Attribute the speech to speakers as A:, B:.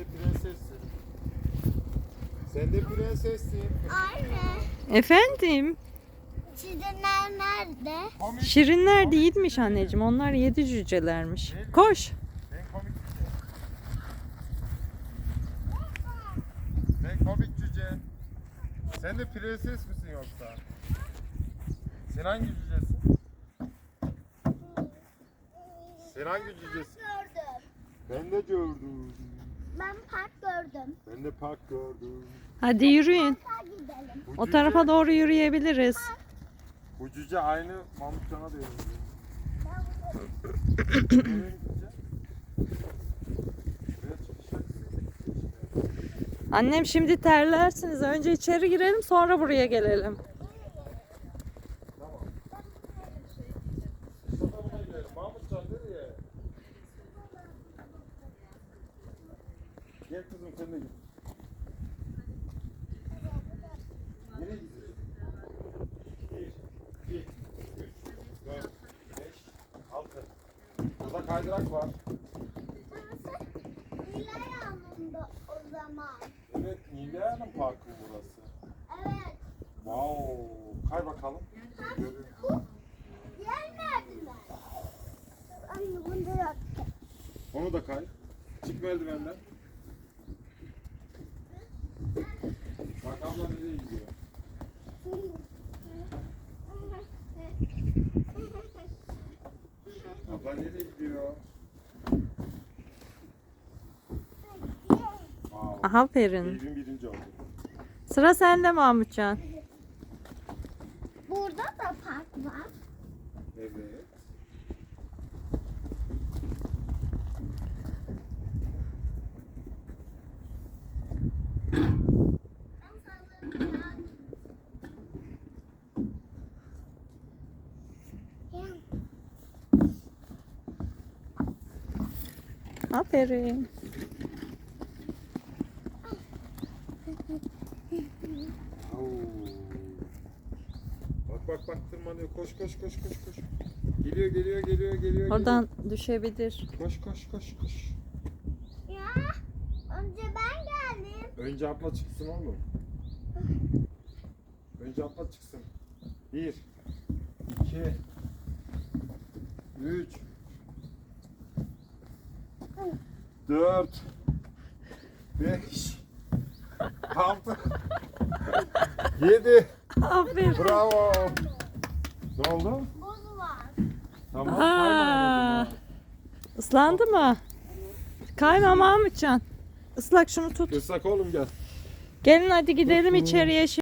A: de prensessin. Sen de prensessin.
B: Anne,
C: Efendim?
B: çizimler nerede?
A: Komik.
C: Şirinler değilmiş anneciğim. Onlar 7 cücelermiş. Koş.
A: Ben komik cüce. Ben komik cüce. Sen de prenses misin yoksa? Sen hangi cücesin? Sen hangi cücesin?
B: Gördüm.
A: Ben de gördüm.
B: Ben park gördüm.
A: Ben de park gördüm.
C: Hadi yürüyün.
B: Parka gidelim.
A: Bu
C: O tarafa doğru yürüyebiliriz.
A: Bu cüce aynı Mahmutcan'a da benziyor.
B: Ben bunu-
A: Nereye gideceğiz? Buraya çıkacağız.
C: Annem şimdi terlersiniz. Önce içeri girelim sonra buraya gelelim.
A: Tamam. Mustafa buna gidelim. Mahmutcan nereye? Gel kızım sen de git. Nereye gidiyorsun? 1, 2, 3, 4, 5, 6. Burada kaydırak var.
B: Burası Nilay Hanım'da o zaman.
A: Evet, Nilay Hanım Parkı burası.
B: Evet.
A: Wow, kay bakalım. Görün.
B: Bu diğer merdiven. Anne bunu da yaptım.
A: Onu da kay. Çık merdivenden. Bak abla nereye gidiyor? Abla nereye gidiyor? Wow.
C: Aferin.
A: Evin birinci oldu.
C: Sıra sende Mahmutcan.
B: Burada da park var.
A: Evet.
C: Aferin.
A: Oo. Bak tırmanıyor. Koş koş. Geliyor.
C: Oradan düşebilir.
A: Koş.
B: Ya önce ben geldim.
A: Önce abla çıksın oğlum. Önce abla çıksın. 1 2 3 4 5 6 7
C: Aferin.
A: Bravo. Ne oldu?
B: Buz var.
A: Tamam.
C: Aa, ıslandı mı? Kayma Mahmutcan. Islak şunu tut.
A: Islak oğlum gel.
C: Gelin hadi gidelim içeriye.